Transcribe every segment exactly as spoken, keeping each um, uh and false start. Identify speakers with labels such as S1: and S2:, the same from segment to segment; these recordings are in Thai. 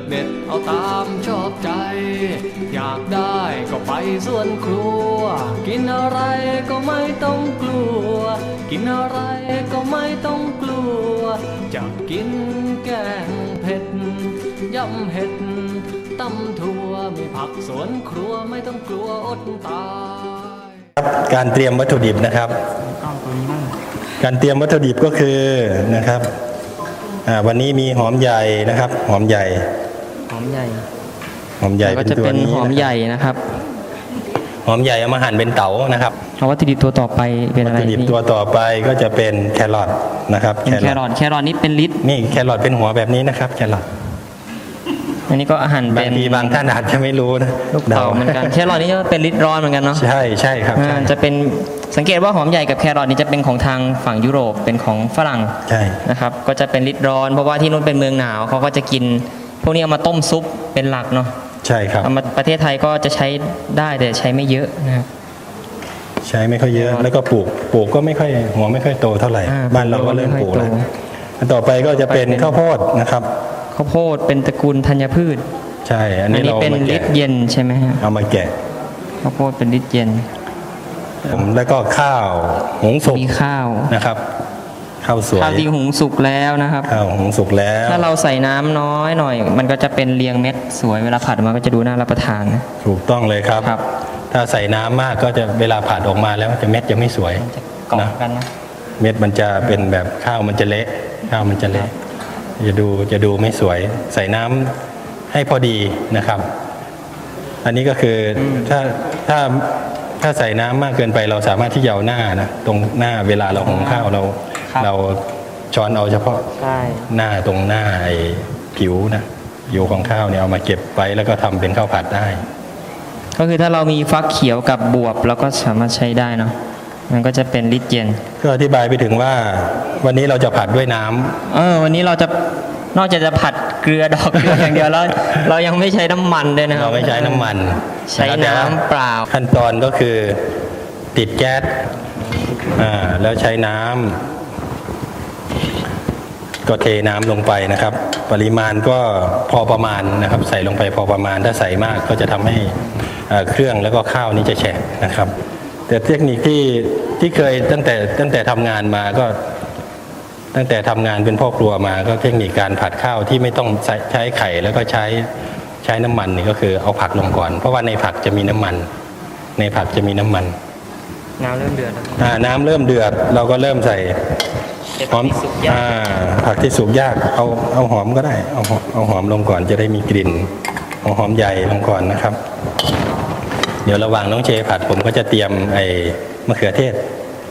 S1: เด็ดเอาตามชอบใจอยากได้ก็ไปสวนครัวกินอะไรก็ไม่ต้องกลัวกินอะไรก็ไม่ต้องกลัวจะกินแกงเผ็ดยำเห็ดตำถั่วมีผักสวนครัวไม่ต้องกลัวอดตาย
S2: การเตรียมวัตถุดิบนะครับการเตรียมวัตถุดิบก็คือนะครับวันนี้มีหอมใหญ่นะครับหอมใหญ่
S3: หอมใหญ่
S2: หอมใหญ่
S3: ก็จะเป็นหอมใหญ่นะครับ
S2: หอมใหญ่เอามาหั่นเป็นเต๋านะครับ
S3: เอาวัตถุดิบตัวต่อไปเป็นอะไร
S2: วัตถุดิบตัวต่อไปก็จะเป็นแครอทนะครับ
S3: แครอทแครอทนี่เป็นลิตร
S2: นี่แครอทเป็นหัวแบบนี้นะครับแครอท
S3: อันนี้ก็อาหารเป็น
S2: บางทีบางท่านอาจจะไม่รู้นะ
S3: ลูกเต๋าเหมือนกันแครอทนี่ก็เป็นลิตรร้อนเหมือนกันเนาะ
S2: ใช่ใช่ครับ
S3: จะเป็นสังเกตว่าหอมใหญ่กับแครอทนี่จะเป็นของทางฝั่งยุโรปเป็นของฝรั่ง
S2: ใช่
S3: นะครับก็จะเป็นลิตรร้อนเพราะว่าที่นู้นเป็นเมืองหนาวเขาก็จะกินพวกนี้เอามาต้มซุปเป็นหลักเนาะ
S2: ใช่ครับ
S3: เอามาประเทศไทยก็จะใช้ได้แต่ใช้ไม่เยอะนะครับ
S2: ใช้ไม่ค่อยเยอะแล้วก็ปลูกปลูกก็ไม่ค่อยหัวไม่ค่อยโตเท่าไหร่บ้านเราก็เริ่มปลูกแล้วต่อไปก็จะเป็นข้าวโพดนะครับ
S3: ข้าวโพดเป็นตระกูลธัญพืช
S2: ใช่อันนี้เรา
S3: เป็นลิตรเย็นใช่ไหมฮะ
S2: เอามาแกะ
S3: ข้าวโพดเป็นลิตรเย็น
S2: ผมแล้วก็ข้าวหุงสุก
S3: มีข้าว
S2: นะครับข้าวสวย
S3: ข้าวที่หุงสุกแล้วนะครับ
S2: ข้าวหุงสุกแล้ว
S3: ถ้าเราใส่น้ำน้อยหน่อยมันก็จะเป็นเรียงเม็ดสวยเวลาผัดมาก็จะดูน่ารับประทาน
S2: ถูกต้องเลยครับถ้าใส่น้ำมากก็จะเวลาผัดออกมาแล้วจะเม็ดจะไม่สวย
S3: นะกันนะ
S2: เม็ดมันจะเป็นแบบข้าวมันจะเละข้าวมันจะเละจะดูจะดูไม่สวยใส่น้ำให้พอดีนะครับอันนี้ก็คือถ้าถ้าถ้าใส่น้ำมากเกินไปเราสามารถที่จะเอาหน้านะตรงหน้าเวลาเราหุงข้าวเราเราช้อนเอาเฉพาะหน้าตรงหน้าไอ้ผิวนะผิวของข้าวเนี่ยเอามาเก็บไว้แล้วก็ทำเป็นข้าวผัดได้
S3: ก็คือถ้าเรามีฟักเขียวกับบวบเราก็สามารถใช้ได้เนาะมันก็จะเป็นลิตรเย็น
S2: ก็อธิบายไปถึงว่าวันนี้เราจะผัดด้วยน้ำ
S3: เออวันนี้เราจะนอกจากจะผัดเกลือดอกเกลืออย่างเดียวแล้วเรายังไม่ใช้น้ำมันด้วยนะครับ
S2: เราไม่ใช้น้ำมัน
S3: ใช้น้ำเปล่า
S2: ขั้นตอนก็คือติดแก๊สอ่าแล้วใช้น้ำก็เทน้ำลงไปนะครับปริมาณก็พอประมาณนะครับใส่ลงไปพอประมาณถ้าใส่มากก็จะทำให้เครื่องแล้วก็ข้าวนี้จะแฉะนะครับแต่เทคนิคที่ที่เคยตั้งแต่ตั้งแต่ทำงานมาก็ตั้งแต่ทำงานเป็นพ่อครัวมาก็เทคนิคการผัดข้าวที่ไม่ต้องใช้ไข่แล้วก็ใช้ใช้น้ำมันนี่ก็คือเอาผักลงก่อนเพราะว่าในผักจะมีน้ำมันในผักจะมีน้ำมัน
S3: น้ำเริ่มเดือด
S2: อ่าน้ำเริ่มเดือดเราก็เริ่มใส่หอมอ่าผักที่สุกยากเอาเอาหอมก็ได้เอาเอาหอมลงก่อนจะได้มีกลิ่นเอาหอมใหญ่ลงก่อนนะครับเดี๋ยวระหว่างน้องเชผัดผมก็จะเตรียมไอ้มะเขือเทศ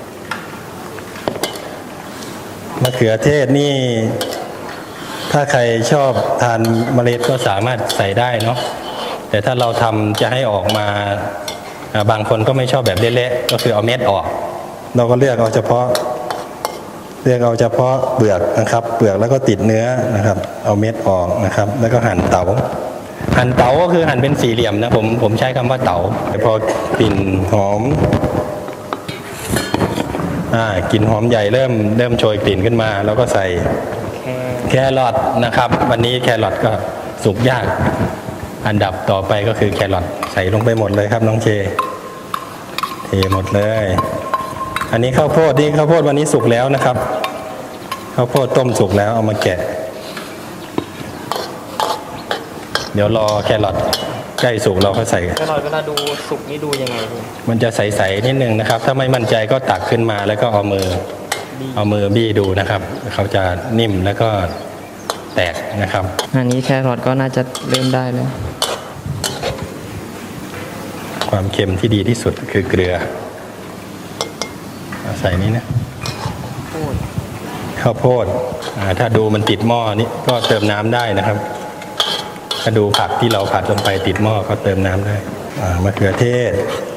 S2: มะเขือเทศนี่ถ้าใครชอบทานเมล็ดก็สามารถใส่ได้เนาะแต่ถ้าเราทำจะให้ออกมาบางคนก็ไม่ชอบแบบเละๆก็คือเอาเม็ดออกเราก็เลือกเอาเฉพาะเลือกเอาเฉพาะเปลือกนะครับเปลือกแล้วก็ติดเนื้อนะครับเอาเม็ดออกนะครับแล้วก็หั่นเต๋าหั่นเต๋าก็คือหั่นเป็นสี่เหลี่ยมนะผมผมใช้คำว่าเต๋าพอกลิ่นหอมอ่ากลิ่นหอมใหญ่เริ่มเริ่มโชยกลิ่นขึ้นมาแล้วก็ใส่แครอทนะครับวันนี้แครอทก็สุกยากอันดับต่อไปก็คือแครอทใส่ลงไปหมดเลยครับน้องเชเทหมดเลยอันนี้ข้าวโพดนี่ข้าวโพดวันนี้สุกแล้วนะครับข้าวโพดต้มสุกแล้วเอามาแกะเดี๋ยวรอแครอทใกล้สุกเราก็ใส่
S3: แครอทเวลาดูสุกนี่ดูยังไง
S2: มันจะใสๆนิดนึงนะครับถ้าไม่มั่นใจก็ตักขึ้นมาแล้วก็เอามือเอามือบี้ดูนะครับเขาจะนิ่มแล้วก็แตกนะครับ
S3: อันนี้แครอทก็น่าจะเริ่มได้แล้ว
S2: ความเค็มที่ดีที่สุดคือเกลือใส่นี้นะข้าวโพดถ้าดูมันติดหม้อนี้ก็เติมน้ำได้นะครับถ้าดูผักที่เราผัดลงไปติดหม้อก็เติมน้ำได้มะเขือเทศ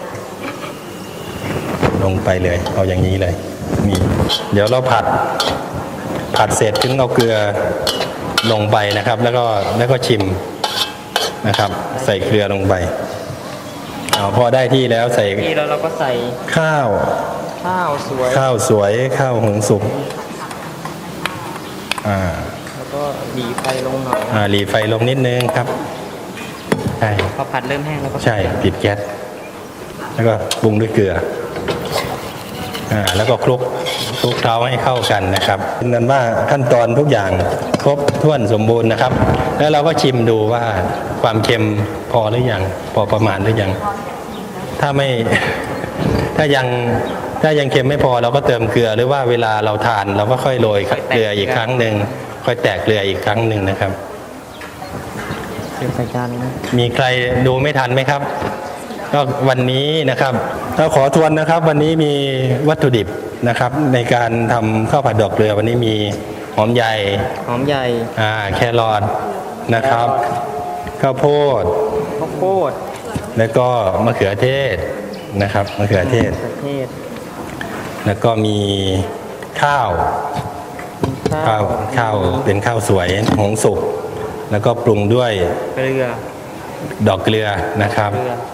S2: ลงไปเลยเอาอย่างนี้เลยนี่เดี๋ยวเราผัดผัดเสร็จถึงเอาเกลือลงไปนะครับแล้วก็แล้วก็ชิมนะครับใส่เกลือลงไปเอาพอได้ที่แล้วใส่
S3: ที่แล้วเราก็ใส่
S2: ข้าว
S3: ข้าวสวย
S2: ข้าวสวยข้าวหุงสุกอ่า
S3: แล้วก็หลีไฟลงหน่อย
S2: อ่าหลีไฟลงนิดนึงครับใช่
S3: พอผัดเริ่มแห้งแล้วก็
S2: ใช่ปิดแก๊สแล้วก็ปรุงด้วยเกลืออ่าแล้วก็คลุกคลุกเคล้าให้เข้ากันนะครับนั่นว่าขั้นตอนทุกอย่างครบถ้วนสมบูรณ์นะครับ แล้วเราก็ชิมดูว่าความเค็มพอหรือยังพอประมาณหรือยังถ้าไม่ ถ้ายังถ้ายังเค็มไม่พอเราก็เติมเกลือหรือว่าเวลาเราทานเราก็ค่อยโรยเกลืออีกครั้งหนึ่งค่อยแตกเกลืออีกครั้งหนึ่งนะครับ
S3: เดี๋ยวใส่จานนะ
S2: มีใครดูไม่ทันไหมครับ ก็วันนี้นะครับเราขอทวนนะครับ วันนี้มีวัตถุดิบนะครับ ในการทำข้าวผัดดอกเกลือวันนี้มีหอมใหญ่
S3: หอมใหญ่
S2: อ่าแครอทนะครับข้าวโพด
S3: ข้าวโพด
S2: แล้วก็มะเขือเทศนะครับมะเขือเทศ
S3: มะเขือเทศ
S2: แล้วก็มีข้าว
S3: มีข้า
S2: ข้าว วข้าวเป็นข้าวสวยหุงสุกแล้วก็ปรุงด้วย
S3: เกลือ
S2: ดอกเกลือนะครับ
S3: เกลือ